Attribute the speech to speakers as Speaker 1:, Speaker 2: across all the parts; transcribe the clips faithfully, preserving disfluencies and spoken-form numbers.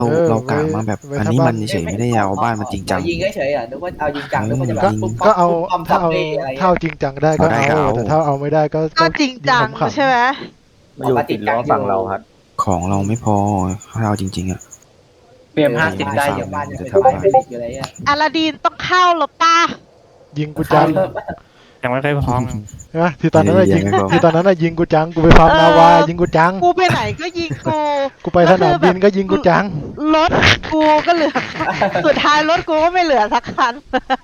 Speaker 1: เรา
Speaker 2: เออ
Speaker 1: เรา
Speaker 2: ไว้
Speaker 1: กะมาแบบ
Speaker 2: ไว้
Speaker 1: อัน
Speaker 2: ถ้า
Speaker 1: นี้
Speaker 2: บ้า
Speaker 1: มัน นเฉยๆไม่ได้เอาบ้านมันจริงจัง
Speaker 3: ยิงเฉยๆอ่ะนึกว่าเอาจริงจังนึกว่าจะแบบ
Speaker 2: ก็
Speaker 3: ปุ๊บ
Speaker 2: ก็
Speaker 3: ปั๊บ
Speaker 2: เอา
Speaker 3: ปุ๊บปั๊บ
Speaker 2: ถ้าเอา
Speaker 3: ซัมบ้อะไร
Speaker 2: ถ้าเอาจริงจังได้ก็
Speaker 1: เอาได้
Speaker 2: เอา
Speaker 1: ก็เอา
Speaker 2: แต่ถ้าเอาไม่ได้ก็
Speaker 4: ก็จริงจัง
Speaker 2: ขำๆ
Speaker 4: ใช่ไหม
Speaker 5: มาอยู่ติดล้อฝั่งเราครับ
Speaker 1: ของเราไม่พอถ้าเอาจริงๆอ่ะ
Speaker 6: เปรียมห้าสิบได้
Speaker 1: อ
Speaker 6: อยู่ ยู่
Speaker 3: บ้านยัง
Speaker 1: จะ
Speaker 3: เป็น
Speaker 1: ทำ
Speaker 3: ไฟ
Speaker 1: บ้าน
Speaker 3: เป็นเหล็กอยู่เลยอ่ะ
Speaker 4: อาลาดีนต้องเข้าหรอป้า
Speaker 2: ยิงกูจัง
Speaker 6: ยังไม่ค่อยพร้อม
Speaker 2: ใช่ไหมที่ตอนนั้นน่ะ
Speaker 1: เดี๋
Speaker 2: ยิ
Speaker 1: ยว
Speaker 2: ง
Speaker 1: ยังไม่พอ
Speaker 2: ที่ตอนนั้นน่ะยิงกูจังกูไปฟาร์ม
Speaker 4: เออ
Speaker 2: นาวายิงกูจัง
Speaker 4: กูไปไหนก็ยิงกู
Speaker 2: กูไปสนามบินก็ยิงกูจัง
Speaker 4: รถกูก็เหลือ สุดท้ายรถกูก็ไม่เหลือสักคัน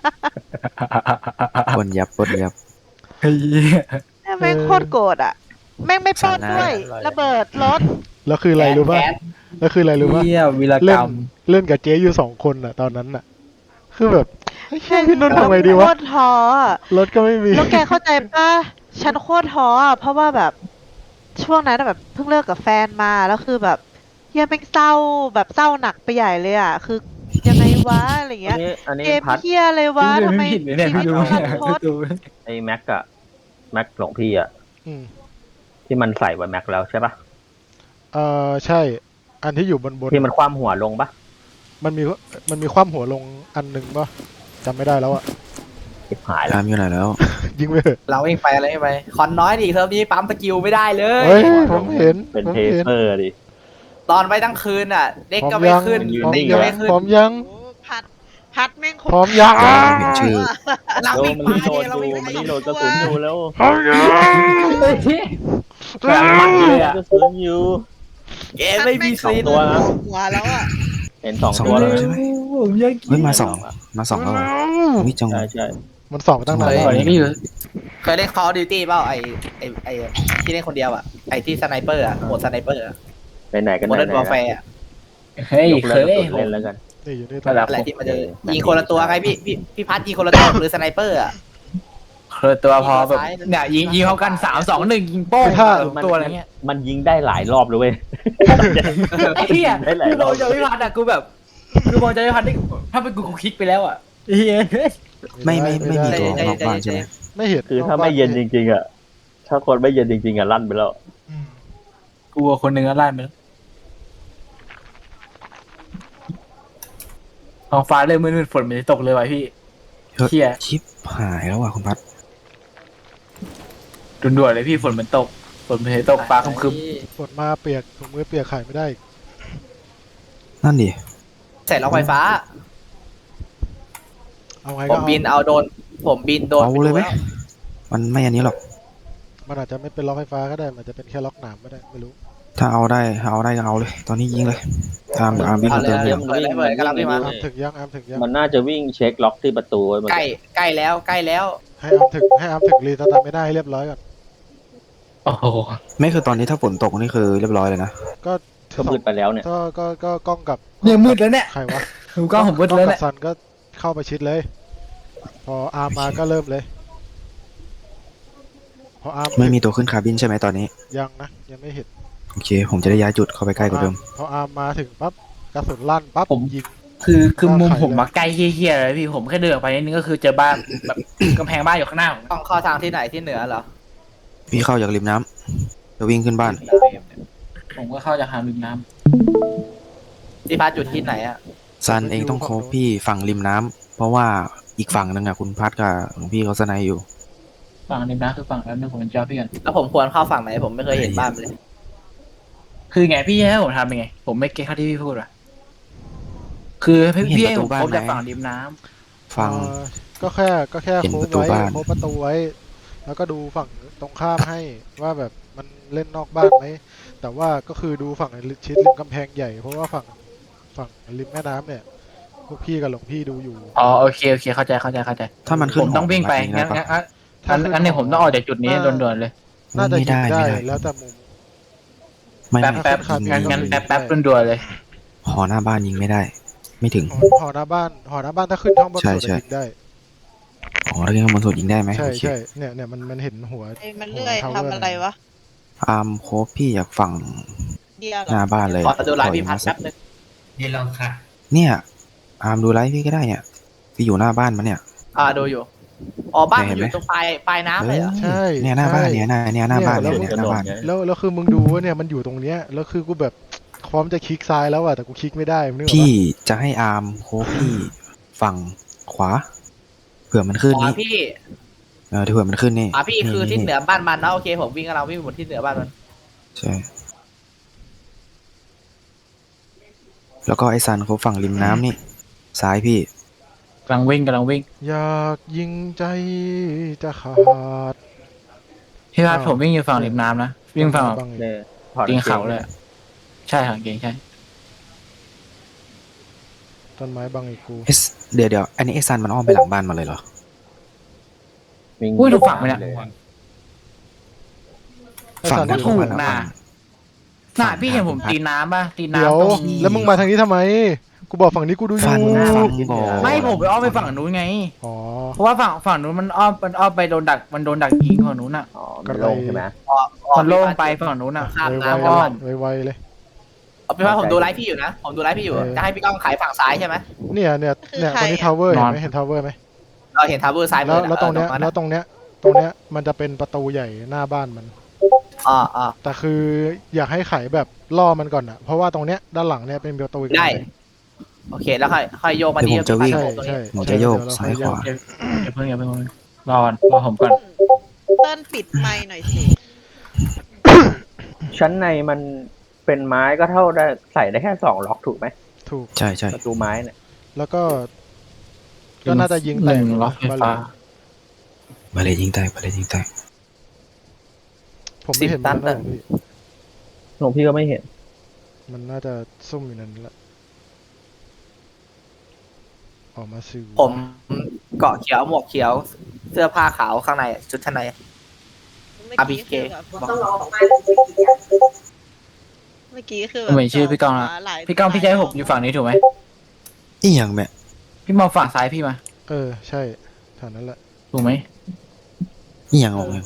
Speaker 1: ปนยับปนยับ
Speaker 4: แม่งโคตรโกรธอ่ะ แม่งไม่ปล้นด้วย ระเบิดรถ
Speaker 2: แล้วคืออะไรรู้ป่ะ
Speaker 3: แก๊ส
Speaker 2: แล้วคืออะไรรู้ป่ะ
Speaker 6: เหี้ยวีรก
Speaker 2: เล่
Speaker 6: ร
Speaker 2: น
Speaker 6: รม
Speaker 2: เล่นกับเจ๊อยู่สองคนอ่ะตอนนั้นอ่ะ คือแบบเฮ้ยพี่นุ่นทำไงดี
Speaker 4: โคว
Speaker 2: ะ
Speaker 4: ตรท้ออะ
Speaker 2: รถก็ไม่มี
Speaker 4: แล้วแกเข้าใจป่ะ ฉันโคตรท้ออ่ะ เพราะว่าแบบช่วงนั้นอะแบบเพิ่งเลิกกับแฟนมา แล้วคือแบบเฮียแม่งเศร้าแบบเศร้าหนักไปใหญ่เลยอ่ะ คือยังไงวะอะไร
Speaker 5: อั
Speaker 4: เงี้
Speaker 5: น
Speaker 4: ย
Speaker 5: นี้อันนี้
Speaker 4: เกม
Speaker 5: พัด
Speaker 4: เฮียเลยวะ
Speaker 6: พี่ดู
Speaker 4: ทำไม
Speaker 6: ไม่ผิดเลยเนี่ย
Speaker 4: ชี
Speaker 6: พี่
Speaker 4: วิต
Speaker 6: ดู
Speaker 4: มัน
Speaker 6: เนี่ย
Speaker 4: รันทด
Speaker 6: ดู
Speaker 5: ไอ้แม็กอะแม็กหลวงพี่อะ
Speaker 2: อืม
Speaker 5: ที่มันใส่ไว้แม็กแล้วใช่ปะ
Speaker 2: เออใช่ อันที่อยู่บนบน
Speaker 5: ที่มันคว่ำหัวลงปะ
Speaker 2: มันมีมันมีคว่ำหัวลงอันหนึ่งป่ะจำไม่ได้แล้วอ่ะ
Speaker 5: ทิบหายแล้ว
Speaker 1: ตามอยู่ไหนแล้ว
Speaker 2: ยิงไปเถอะ
Speaker 3: เราเองไปอะไรไม่ไปคอนน้อยดิเทอมนี้ปั๊มสกิลไม่ได้เลย
Speaker 2: เฮ้ยผมเห็น
Speaker 5: เป็น
Speaker 2: ผม
Speaker 5: เท
Speaker 2: เห็น
Speaker 5: เซอร์ดิ
Speaker 3: ตอนไปตั้งคืนอ่ะ เด็ก
Speaker 2: พร้
Speaker 3: ก็
Speaker 2: อม
Speaker 3: ไม่
Speaker 2: ยัง
Speaker 3: ขึ้น
Speaker 5: ยืน
Speaker 2: พร้อม
Speaker 3: เด็ก
Speaker 5: นิ่
Speaker 3: ก็
Speaker 2: ยั
Speaker 3: ไม่
Speaker 2: ง
Speaker 3: ขึ้น
Speaker 2: พร้อมยัง
Speaker 4: โอ้พัดพัดแม่งโคต
Speaker 2: พร้อมยัง
Speaker 1: ยังไม่เห็นชื่อ
Speaker 3: เรา
Speaker 5: โด
Speaker 3: วิ่
Speaker 5: น
Speaker 3: ง
Speaker 5: มัน
Speaker 3: ไป
Speaker 5: รีโหลด
Speaker 3: เรา
Speaker 5: อยู่
Speaker 3: วิ่งไป
Speaker 5: มันรีโหลดกระสุนอยู่แล้ว
Speaker 2: พร้อมยัง
Speaker 6: แบบมันเลยอ่ะ
Speaker 5: กระสุนอยู่
Speaker 3: เกมไม่มี
Speaker 5: สอง
Speaker 3: ซีน
Speaker 5: ตัวนะ
Speaker 4: หัวแล้วอ่ะ
Speaker 5: เห็นสอง
Speaker 1: สอง
Speaker 5: ตัว
Speaker 1: ตั
Speaker 5: แล้ว ว
Speaker 1: ใช่ไหม
Speaker 6: ผมยัง
Speaker 1: เฮ้ยมาสองมาสองแล้วเหรอวิจัง
Speaker 5: ใช่ใช่
Speaker 2: มันสองตั้งนาน
Speaker 1: เฮ้
Speaker 2: แล้ว
Speaker 1: ย
Speaker 6: นี่คือ
Speaker 3: เคยเล่น Call of Duty เปล่าไอไอไอที่เล่นคนเดียวอ่ะไอที่สไนเปอร์อ่ะโหมดสไนเปอร์อ่ะ
Speaker 5: ไปไหนกัน
Speaker 3: โม
Speaker 5: ไหน
Speaker 3: เดิร์นวอร์แฟร์
Speaker 6: เฮ้ย
Speaker 5: ยก
Speaker 6: เค
Speaker 5: เลิก
Speaker 6: ย
Speaker 5: กระสุนเล่นแล้วกัน
Speaker 2: นี่อยู่นี่
Speaker 6: ระดับ
Speaker 3: อะไรที่มันจะยิงคนละตัวไงพี่พี่พี่พัดยิงคนละตัวหรือสไนเปอร์อ่ะ
Speaker 6: เคยตัวพอแบบเนี่ยยิงยิงเขากันสามสองหนึ่งยิงโป้งตัวอะไรเงี้ย
Speaker 5: มันยิงได้หลายรอบเลยเว้ย
Speaker 6: ไอ้เหี้ย
Speaker 5: ได้หลาย
Speaker 6: คือ
Speaker 5: ร
Speaker 6: ม
Speaker 5: อ
Speaker 6: อบ งจากพิพัฒน์อะกูแบบคือมองจากพิพัฒน์นี่ถ้าเป็นกูกูคลิกไปแล้วอะเหี้ย
Speaker 1: ไม่ไม่ไม่มีตัว
Speaker 3: ได้
Speaker 1: นอกบ้านใช่ไหม
Speaker 2: ไม่เห็น
Speaker 5: คือถ้าไม่เย็นจริงๆอะถ้าคนไม่เย็นจริงๆอะลั่นไปแล้ว
Speaker 6: กูคนหนึ่งก็ลั่นไปแล้วท้องฟ้าเริ่มมืดๆฝนมันจะตกเลยว่ะพี่
Speaker 1: เฮ้ย
Speaker 6: เหี้ย
Speaker 1: ชิปหายแล้วว่ะคุณพัด
Speaker 6: ด่วนๆเลยพี่ฝนมันตกฝนมันจะตกฟ้าครึม
Speaker 2: ฝนมาเปียกถุงมือเปียกขายไม่ได้อีก
Speaker 1: นั่นดิ
Speaker 3: ใส่ล็อกไฟฟ้า
Speaker 2: เอาไง
Speaker 3: ผ
Speaker 2: ก็
Speaker 3: ม
Speaker 2: เอา
Speaker 3: บินเอาโดน ผมบินโดน
Speaker 1: เอาเลยไหมมันไม่อันนี้หรอก
Speaker 2: มันอาจจะไม่เป็นล็อกไฟฟ้าก็ได้มันจะเป็นแค่ล็อกหนามก็ได้ไม่รู้
Speaker 1: ถ้าเอาได้ถ้าเอาได้ก็เอาเลย ตอนนี้ยิงเลยตามอาร์มวิ่ง
Speaker 3: เอา
Speaker 1: มา
Speaker 3: เลย
Speaker 1: เติม
Speaker 3: เอา
Speaker 1: เดี
Speaker 3: เลย
Speaker 1: ยว
Speaker 3: เปิดเลยเปิดกำลังวิ่งมา
Speaker 2: อามถึงยังอามถึงยัง
Speaker 5: มันน่าจะวิ่งเช็คล็อกที่ประตูไว้มัน
Speaker 3: ใกล้ใกล้แล้วใกล้แล้ว
Speaker 2: ให้อามถึงให้อามถึงรีสตาร์ทไม่ได้ให้เรียบร้อยก่อน
Speaker 6: ๆโอ้โห
Speaker 1: ไม่คือตอนนี้ถ้าฝนตกนี่คือเรียบร้อยเลยนะ
Speaker 2: ก็
Speaker 5: ก็มืดไปแล้วเนี่ย
Speaker 2: ก็ก็ก็กล้องกับ
Speaker 6: เนี่ยมืดแล้วเนี่ย
Speaker 2: ใครวะ
Speaker 6: ดูกล้องผมมืด
Speaker 2: กล้
Speaker 6: แล้
Speaker 2: อง
Speaker 6: ว
Speaker 2: กั
Speaker 6: เนี่ย
Speaker 2: บซันก็เข้าไปชิดเลย พออาร์มมาก็เริ่มเลย พออาร์ม
Speaker 1: ไม่มีตัวขึ้นคาร์บินใช่ไหมตอนนี้
Speaker 2: ยังนะยังไม่เห็น
Speaker 1: โอเค ผมจะได้ย้ายจุดเข้าไปใกล้กว่าเดิม
Speaker 2: พออาร์มมาถึงปั๊บกระสุนลั่นปั๊บยิง
Speaker 6: คือคือมุมผมมาใกล้เฮี้ยๆเลยพี่ผมแค่เดินออกไปนิดนึงก็คือเจอบ้านแบบ กำแพงบ้านอยู่ข้างหน้าผม
Speaker 3: ต้องเข้าทางที่ไหนที่เหนือเหรอ
Speaker 1: พี่เข้าจากริมน้ำจะวิ่งขึ้นบ้าน
Speaker 6: ผมก็เข้าจากทางริมน้
Speaker 3: ที่พัดจุดที่ไหนอ่ะ
Speaker 1: ซันเองต้องโคบพี่ฝั่งริมน้ำเพราะว่าอีกฝั่งหนึ่งอะคุณพัดกับหลวงพี่เขาสไนอยู่
Speaker 6: ำฝั่งริมน้ำคือฝั่งแล้วนึงผมเป็นเจ้าพี่กัน
Speaker 3: แล้วผมควรเข้าฝั่งไหนผมไม่เคยเห็นบ้านเลย
Speaker 6: คือไงพี่ให้ผมทำยังไง ผมไม่เก็ตเข้าที่พี่พูดว่ะคือพี่พี่ให้ผมพบจากฝั่งริมน้ำ
Speaker 1: ฝั่ง
Speaker 2: เอ่อก็แค่ก็แค่
Speaker 1: เห็น
Speaker 2: โค้
Speaker 1: ประตู
Speaker 2: ไว้
Speaker 1: บ้าน
Speaker 2: โค้ประตูไว้ แล้วก็ดูฝั่งตรงข้ามให้ว่าแบบมันเล่นนอกบ้านไหมแต่ว่าก็คือดูฝั่งชิดริมกำแพงใหญ่เพราะว่าฝั่งฝั่งริมแม่น้ำเนี่ยพวกพี่กับหลวงพี่ดูอยู่
Speaker 6: อ๋อโอเคโอเคเข้าใจเข้าใจเข้าใจ
Speaker 1: ถ้ามันขึ้
Speaker 6: ผ
Speaker 1: น
Speaker 6: มต้องวิ่งไป
Speaker 1: หอ
Speaker 6: งั้น
Speaker 1: แบบ
Speaker 6: งั้น
Speaker 1: นี้
Speaker 6: งั้นงั้นงั้นเนี่ยผมต้องออกจากจุดนี้ด่วนๆเลย
Speaker 2: น่าจะ
Speaker 1: ไม่
Speaker 2: ยิง
Speaker 1: ได้
Speaker 2: ได้
Speaker 1: ไม่ได้
Speaker 2: แล้วแต่มุม
Speaker 1: ไม่
Speaker 6: แป๊บ
Speaker 1: ไม่
Speaker 6: แป๊บ
Speaker 2: ครับ
Speaker 6: งั้นงั้น
Speaker 1: ยิง
Speaker 6: แป๊บแป๊บด่วนๆเลย
Speaker 1: หอหน้าบ้านยิงไม่ได้ ไม่ถึง
Speaker 2: หอหอหน้าบ้านหอหน้าบ้านถ้าขึ้นข้างบน
Speaker 1: ใช่
Speaker 2: สุด
Speaker 1: ใช่
Speaker 2: ยิงได้
Speaker 1: หอถ้าขึ้นข้างบนสุดยิงได้ไหม
Speaker 2: ใช่
Speaker 1: โอเค
Speaker 2: ใช่เนี่ยเนี่ยมันมันเห็นหัว
Speaker 4: ไอ้มันเลื่อย
Speaker 2: หัว
Speaker 4: ทำอะไรวะ
Speaker 1: อาร์มโคบพี่อยากฝั่ง
Speaker 4: เดียวเหร
Speaker 1: หน้า
Speaker 4: อ
Speaker 1: บ้านเลย
Speaker 3: ขอดูไลน์พี่พัด
Speaker 1: ขอ
Speaker 3: แป๊บนึง
Speaker 6: นี่เราค่ะ
Speaker 1: เนี่ยอาร์มดูไลฟ์พี่ก็ได้เนี่ยพี่อยู่หน้าบ้านมันเนี่ย
Speaker 3: อ่าดูอยู่อ๋อบ้านมันอ
Speaker 1: เห็นไหม
Speaker 3: ยู่ตรงปลายปลายน้ำเลยเหรอ
Speaker 2: ใช่
Speaker 1: เนี่ยหน้าบ้านเนี่ยหน้าเนี่ยหน้าบ้าน
Speaker 2: เนี่
Speaker 1: เนี่ย ย
Speaker 2: แล้ว
Speaker 1: เนี่ยหน้าบ้าน
Speaker 2: แล้วแล้วคือมึงดูว่าเนี่ยมันอยู่ตรงเนี้ยแล้วคือกูแบบพร้อมจะคลิกซ้ายแล้วอะแต่กูคลิกไม่ได้มึงนึกออก
Speaker 1: พี่
Speaker 2: ปะ
Speaker 1: จะให้อาร์มโคฟพี่ฝั่งขวาเผื่อมันขึ้น
Speaker 3: ขวา
Speaker 1: นี่
Speaker 3: พี่
Speaker 1: เออที่เผื่อมันขึ้นนี่
Speaker 3: ขวาพี่คือทิศเหนื
Speaker 1: นี่
Speaker 3: อบ้านมันนะโอเคผมวิ่งกับเราวิ่งหมดทิศเหนือบ้านมัน
Speaker 1: ใช่แล้วก็ไอซันเขาฝั่งริมน้ำนี่ซ้ายพี่
Speaker 6: กำลังวิ่งกำลังวิ่ง
Speaker 2: อยากยิงใจจะขาด
Speaker 6: พี่พัด
Speaker 2: อ้าว
Speaker 6: ผมวิ่งอยู่ฝั่งริมน้ำนะวิ่งฝั่งแบบ
Speaker 2: บ้างอีก
Speaker 5: เนี่ยถอด
Speaker 6: ตีนเขา
Speaker 5: กง
Speaker 6: เลยอะใช่ค่ะเก่งใช่
Speaker 2: ต้นไม้บังอีกกู
Speaker 1: เอสเดี๋ยวเดี๋ยวอันนี้ไอซันมันอ้อมไปหลังบ้านมาเลยเหรอ
Speaker 5: วิ่ง
Speaker 6: อุ้ยถูกฝั่งไหมเนี่ย
Speaker 5: เลย
Speaker 2: ไอ้
Speaker 1: ฝั่ง
Speaker 2: สัตว์
Speaker 1: นั้น
Speaker 2: อยู่
Speaker 6: ถู
Speaker 2: ตรง
Speaker 6: ก
Speaker 2: นั้น
Speaker 6: นะ
Speaker 2: อะ
Speaker 6: น่าพี่เห็นผมตีน้ำป่ะตี
Speaker 2: เดี๋ยว
Speaker 6: น้ำตรง
Speaker 2: แล้วมึงมาทางนี้ทำไม กูบอกฝั่งนี้กูดูอ
Speaker 1: ฟั
Speaker 2: ยู่
Speaker 1: นฟันบอก
Speaker 6: ไม่ผมไปอ้อมไปฝั่งนู้นไง
Speaker 2: อ๋อ
Speaker 6: เพราะว่าฝั่งฝั่งนู้นมันอ้อมมันอ้อมไปโดนดักมันโดนดักยิงฝั่งนู้นอ่ะ
Speaker 5: อ๋อมันโล่งใช่ไหม
Speaker 3: ออกออก
Speaker 6: มันโล่งไปฝั่งนู้นอ่ะ
Speaker 3: ข้าม
Speaker 2: ไว
Speaker 3: น้ำ
Speaker 2: ๆ
Speaker 3: กับมัน
Speaker 2: เลยไวๆเลย
Speaker 3: เอาเป็นว่าผมดูไลฟ์พี่อยู่นะผมดูไลฟ์พี่อยู่
Speaker 2: เออ
Speaker 3: จะให้พี่ก้องขายฝั่งซ้ายใช่ไหม
Speaker 2: เนี่ยเนี่ยเนี่ยตรงนี้ทาวเวอร์เห็นไหมเห็นทาวเวอร์ไหม
Speaker 3: เราเห็นทาวเวอร์ซ้ายมื
Speaker 2: แล้ว
Speaker 3: อ
Speaker 2: แล้วตรงเนี้ย
Speaker 3: ออ
Speaker 2: แล้วตรงเนี้ยตรงเนี้ยมันจะเป็นประตูใหญ่หน้าบ้านมัน
Speaker 3: อ๋ออ๋อ
Speaker 2: แต่คืออยากให้ไขแบบล่อมันก่อนอะเพราะว่าตรงเนี้ยด้านหลังเนี่ยเป็นประตูอีก
Speaker 3: ได้
Speaker 2: อันหนึ่ง
Speaker 3: โอเคแล้วค่อยค่อยโยกมา
Speaker 1: เดี๋
Speaker 3: ที่
Speaker 1: ยวผมจะวิ่ง
Speaker 3: ที่
Speaker 2: ใช่
Speaker 3: ตรง
Speaker 2: ใช่
Speaker 3: นี้
Speaker 1: ผมจะโยก
Speaker 2: เดี๋วเร
Speaker 1: ซ้ายขวา
Speaker 2: ค่อ
Speaker 6: อย่าเพิ่งอย่าเพิ่งรอก่อนรอผมก่อน
Speaker 4: เติ้ลปิดไมค์หน่อยสิ
Speaker 5: ชั้นในมันเป็นไม้ก็เท่าได้ใส่ได้แค่สองล็อกถูกไหม
Speaker 2: ถูก
Speaker 1: ใช่ใช่
Speaker 5: ประตูไม้เนี่ย
Speaker 2: แล้วก็ก็น่าจะยิง
Speaker 6: ห
Speaker 2: แต
Speaker 6: นึ่
Speaker 2: ก
Speaker 6: งล็อกไฟฟ้า
Speaker 1: มาเลยยิงแตกมาเลยยิงแตก
Speaker 2: ผมไม่เห็นมันนะพี่
Speaker 5: หลวงพี่ก็ไม่เห็น
Speaker 2: มันน่าจะซุ่มอยู่นั่นแหละออกมาซิว
Speaker 3: ผมเกาะเขียวหมวกเขียว เสื้อผ้าขาวข้างในชุดชั้นใน อาร์ บี เค
Speaker 4: ต้องรอเมื่อกี้คือ
Speaker 6: ผมเห็นชื่อพี่ก้องละ
Speaker 4: หลาย
Speaker 6: พี่ก้องพี่จะให้ผมอยู่ฝั่งนี้ถูกไหม
Speaker 1: อีหยังแม่
Speaker 6: พี่มองฝั่งซ้ายพี่มา
Speaker 2: เออใช่แถวนั้นแหละ
Speaker 6: ถูกไหม
Speaker 1: อีหยังออกเลย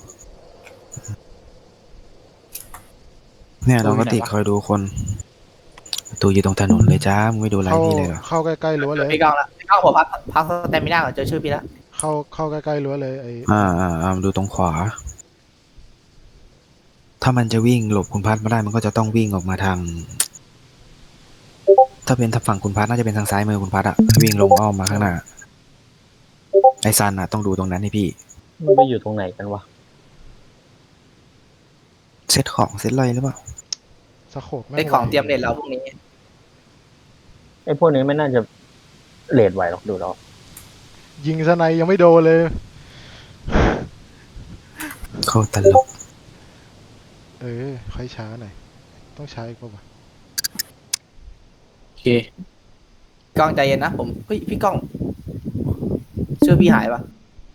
Speaker 1: เนี่ยเราก็ติดคอยดูคนประตูอยู่ตรงถนนเลยจ้ามึงไม่ดูไล
Speaker 2: เข้า
Speaker 1: ฟ์พี่เลยเหรอ
Speaker 2: เข้าใกล้ๆรั้วเลย
Speaker 3: พี่ก้องละพี่ก้องผมพักพักสเตมิน่าก่อนเจอชื่อพี่แล้ว
Speaker 2: เข้าเข้าใกล้ๆรั้วเลยไอ้
Speaker 1: อ่าอ่าอ่าดูตรงขวา ถ้ามันจะวิ่งหลบคุณพัดไม่ได้มันก็จะต้องวิ่งออกมาทาง ถ้าเป็นทางฝั่งคุณพัดน่าจะเป็นทางซ้ายมือคุณพัดอะวิ่งลงอ้อมมาข้างหน้าไอซันอะต้องดูตรงนั้นให้พี่
Speaker 5: มันไปอยู่ตรงไหนกันวะ
Speaker 1: เซตของเซตอะไรหรือเปล่า
Speaker 2: สะโขบแม่
Speaker 3: เป็นของเตรียมเด็ดเราพรุ่งนี้
Speaker 5: ไอ้พวกนี้ไม่น่าจะเลดไหวหรอกดูแล้ว
Speaker 2: ยิงสไนยังไม่โดนเลย
Speaker 1: เขาตลก
Speaker 2: เออค่อยช้าหน่อยต้องช้าอีกป่าวะ
Speaker 6: โอเค
Speaker 3: ก้องใจเย็นนะผมเฮ้ยพี่ก้องชื่อพี่หายปะ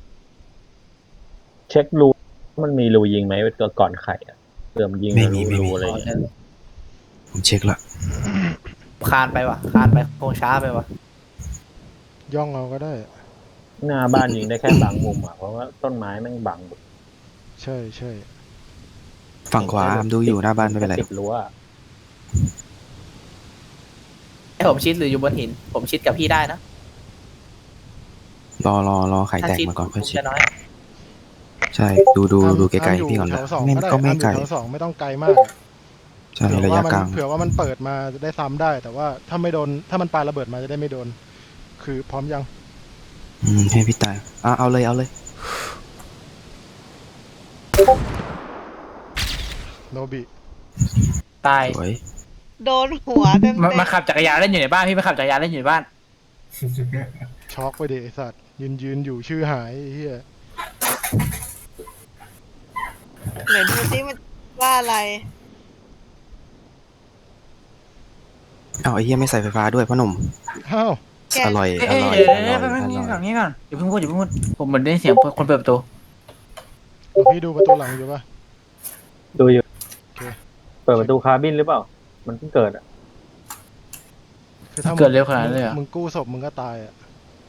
Speaker 5: เช็ครูมันมีรูยิงไหมก่อนไข่อะเติมนยิง
Speaker 1: ไม่
Speaker 5: รู
Speaker 1: มีไม่มี
Speaker 5: รูอะไร
Speaker 3: อ๋อ
Speaker 5: เงี้ย
Speaker 3: เนี่ย
Speaker 1: ผมเช็คละ
Speaker 3: คานไปวะคานไปคงช้าไปวะ
Speaker 2: ย่องเอาก็ได้
Speaker 5: หน้าบ้านยิงได้แค่บางมุมอ่ะเพราะว่าต้นไม้แม่งบัง
Speaker 2: ใช่ใช่
Speaker 1: ฝั่งขวาอามดูอยู่หน้าบ้านไม่เป็นไร
Speaker 5: ติดรั้วอะ
Speaker 3: ให้ผมชิดหรืออยู่บนหิน ผมชิดกับพี่ได้นะ
Speaker 1: รอรอรอไข่
Speaker 3: ถ้า
Speaker 1: แตก
Speaker 3: ชิด
Speaker 1: มาก่อนค่อย
Speaker 3: ผม
Speaker 1: ชิด
Speaker 3: จะน้อย
Speaker 1: ใช่ดูดู
Speaker 2: อ้าม
Speaker 1: ดูไกล
Speaker 2: อ้าม
Speaker 1: ๆพี่ก่อน
Speaker 2: ยู่
Speaker 1: ละ
Speaker 2: แถวสอง
Speaker 1: ไม่
Speaker 2: ก็ได้
Speaker 1: ก็ไม่
Speaker 2: อ้ามอยู่
Speaker 1: ไกล
Speaker 2: แถวสองไม่ต้องไกลมากอะ
Speaker 1: ใช่
Speaker 2: เผื่อ
Speaker 1: ระ
Speaker 2: ว่าย
Speaker 1: ะ
Speaker 2: มัน
Speaker 1: กลาง
Speaker 2: เผื่อว่ามันเปิดมาจะได้ซ้ำได้ แต่ว่าถ้าไม่โดนถ้ามันปาระเบิดมาจะได้ไม่โดน คือพร้อมยัง
Speaker 1: อืมให้พี่ตายอ่ะเอาเลยเอาเลย
Speaker 2: โนบิ
Speaker 6: ตาย
Speaker 1: สวย
Speaker 4: โดนหัวเต็ม
Speaker 6: มา
Speaker 4: เต็
Speaker 6: มาขับจักรยานเล่นอยู่ในบ้านพี่มาขับจักรยานเล่นอยู่ในบ้าน
Speaker 2: ช็อกไปดิไอสัตว์ยืนยืนอยู่ชื่อหายไอ้เฮีย
Speaker 4: ไหนดูซิมันว่าอะไร
Speaker 1: เอาไอ้เหี้ยไม่ใส่ไฟฟ้าด้วยพ่อหนุ่ม
Speaker 2: อ้าว
Speaker 4: แก
Speaker 1: อร่อย
Speaker 6: เอ้ย
Speaker 1: อร่อย
Speaker 6: เดี๋ยว
Speaker 1: อ
Speaker 6: เดี๋ยว
Speaker 1: ร่อย
Speaker 6: เดี๋ยวแป๊บนึง
Speaker 1: อร่
Speaker 6: ฝั่
Speaker 1: อย
Speaker 6: งนี้ก่อนอย่าเพิ่งพูดอย่าเพิ่งพูดผมเหมือนได้ยินเสียงคนเปิดประตู
Speaker 2: เดี๋ยวพี่ดูประตูหลังอยู่ปะ
Speaker 5: ดูอยู่
Speaker 2: โอเค
Speaker 5: เปิดประตูคาร์บินหรือเปล่า มันเพิ่งเกิดอ่ะ
Speaker 2: คือถ้ามึง
Speaker 6: เกิดเร็วขนาดนั้นเลยเหรอ
Speaker 2: มึงกู้ศพมึงก็ตายอ่ะ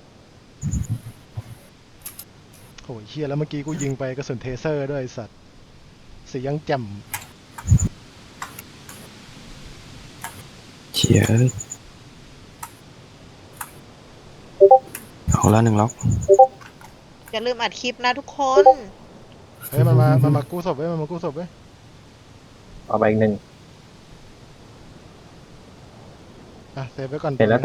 Speaker 2: โหเฮียแล้วเมื่อกี้กูยิงไปกระสุนเทเซอร์ด้วยไอ้สัตว์เสียงแจ่ม
Speaker 1: เฉียเอาละหนึ่งล็อก
Speaker 4: อย่าลืมอัดคลิปนะทุกคน
Speaker 2: เฮ้ยมันมามันมากู้ศพเว้ยมันมากู้ศพเว้ย
Speaker 5: เอาไปอีกหนึ่ง
Speaker 2: อ่ะเซฟไว้ก่อน
Speaker 5: เสร็จแล้ว
Speaker 2: ย